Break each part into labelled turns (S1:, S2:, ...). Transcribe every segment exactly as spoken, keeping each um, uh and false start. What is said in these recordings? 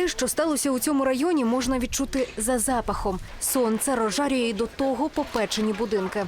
S1: що сталося у цьому районі, можна відчути за запахом. Сонце розжарює й до того попечені будинки.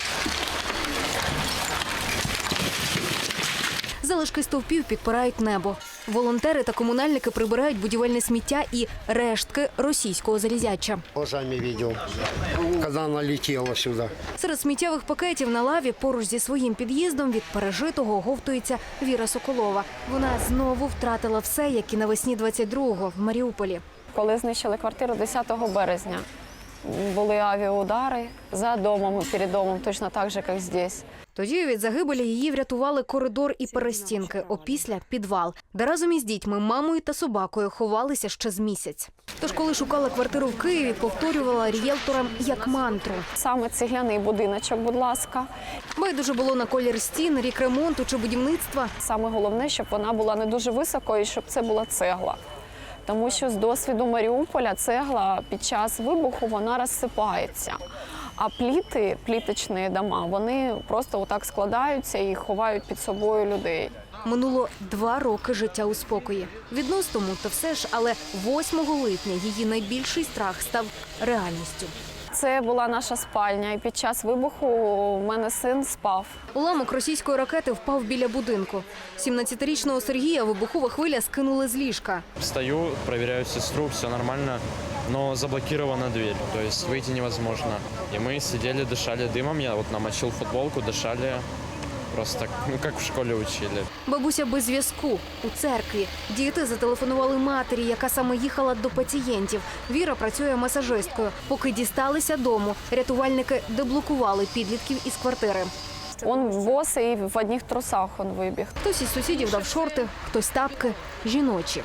S1: Залишки стовпів підпирають небо. Волонтери та комунальники прибирають будівельне сміття і рештки російського залізяча.
S2: Глазами бачив, коли вона летіла сюди.
S1: Серед сміттєвих пакетів на лаві поруч зі своїм під'їздом від пережитого оговтується Віра Соколова. Вона знову втратила все, як і навесні двадцять другого в Маріуполі.
S3: Коли знищили квартиру десятого березня, були авіаудари за домом, перед домом, точно так же, як здесь.
S1: Тоді від загибелі її врятували коридор і перестінки, опісля – підвал, де разом із дітьми, мамою та собакою ховалися ще з місяць. Тож, коли шукала квартиру в Києві, повторювала рієлторам як мантру.
S3: Саме цегляний будиночок, будь ласка.
S1: Байдуже було на колір стін, рік ремонту чи будівництва.
S3: Саме головне, щоб вона була не дуже високою, щоб це була цегла. Тому що з досвіду Маріуполя цегла під час вибуху вона розсипається. А пліти, пліточні дома, вони просто отак складаються і ховають під собою людей.
S1: Минуло два роки життя у спокої. Відносно тому, то все ж, але восьмого липня її найбільший страх став реальністю.
S3: Це була наша спальня, і під час вибуху у мене син спав.
S1: Уламок російської ракети впав біля будинку. сімнадцятирічного Сергія вибухова хвиля скинула з ліжка.
S4: Встаю, проверяю сестру, все нормально, но заблокирована дверь, то есть выйти невозможно. И мы сидели, дышали дымом, я вот намочил футболку, дышали просто так, ну как в школе учили.
S1: Бабуся без зв'язку у церкві. Діти зателефонували матері, яка саме їхала до пацієнтів. Віра працює масажисткою. Поки дісталися дому, рятувальники деблокували підлітків із квартири.
S3: Он босий в одних трусах он вибіг.
S1: Хтось із сусідів дав шорти, хтось тапки, жіночі.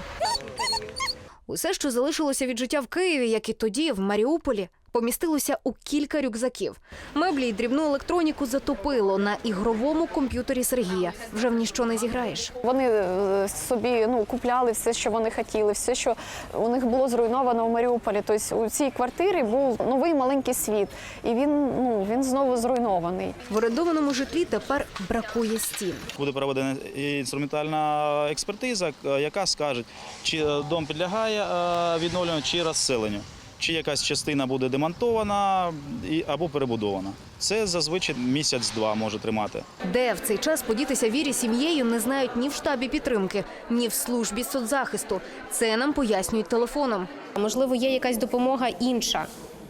S1: Усе, що залишилося від життя в Києві, як і тоді, в Маріуполі, помістилося у кілька рюкзаків. Меблі й дрібну електроніку затопило на ігровому комп'ютері Сергія. Вже в ніщо не зіграєш.
S3: Вони собі ну, купляли все, що вони хотіли, все, що у них було зруйновано в Маріуполі. Тобто у цій квартирі був новий маленький світ, і він, ну, він знову зруйнований.
S1: В орендованому житлі тепер бракує стін.
S5: Буде проведена інструментальна експертиза, яка скаже, чи дом підлягає відновленню, чи розселенню. Чи якась частина буде демонтована або перебудована. Це зазвичай місяць-два може тримати.
S1: Де в цей час подітися Вірі сім'єю не знають ні в штабі підтримки, ні в службі соцзахисту. Це нам пояснюють телефоном.
S6: Можливо, є якась допомога інша?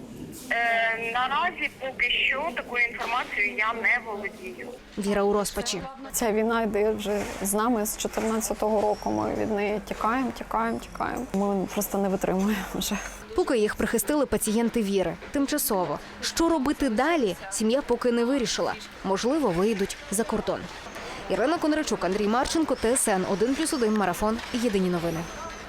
S7: Е, наразі поки що такою інформацією я не володію.
S1: Віра у розпачі.
S3: Ця війна йде вже з нами з чотирнадцятого року. Ми від неї тікаємо, тікаємо, тікаємо. Ми просто не витримуємо вже.
S1: Поки їх прихистили пацієнти Віри. Тимчасово. Що робити далі, сім'я поки не вирішила. Можливо, виїдуть за кордон. Ірина Кондрачук, Андрій Марченко, Т С Н один плюс один, Марафон. Єдині новини.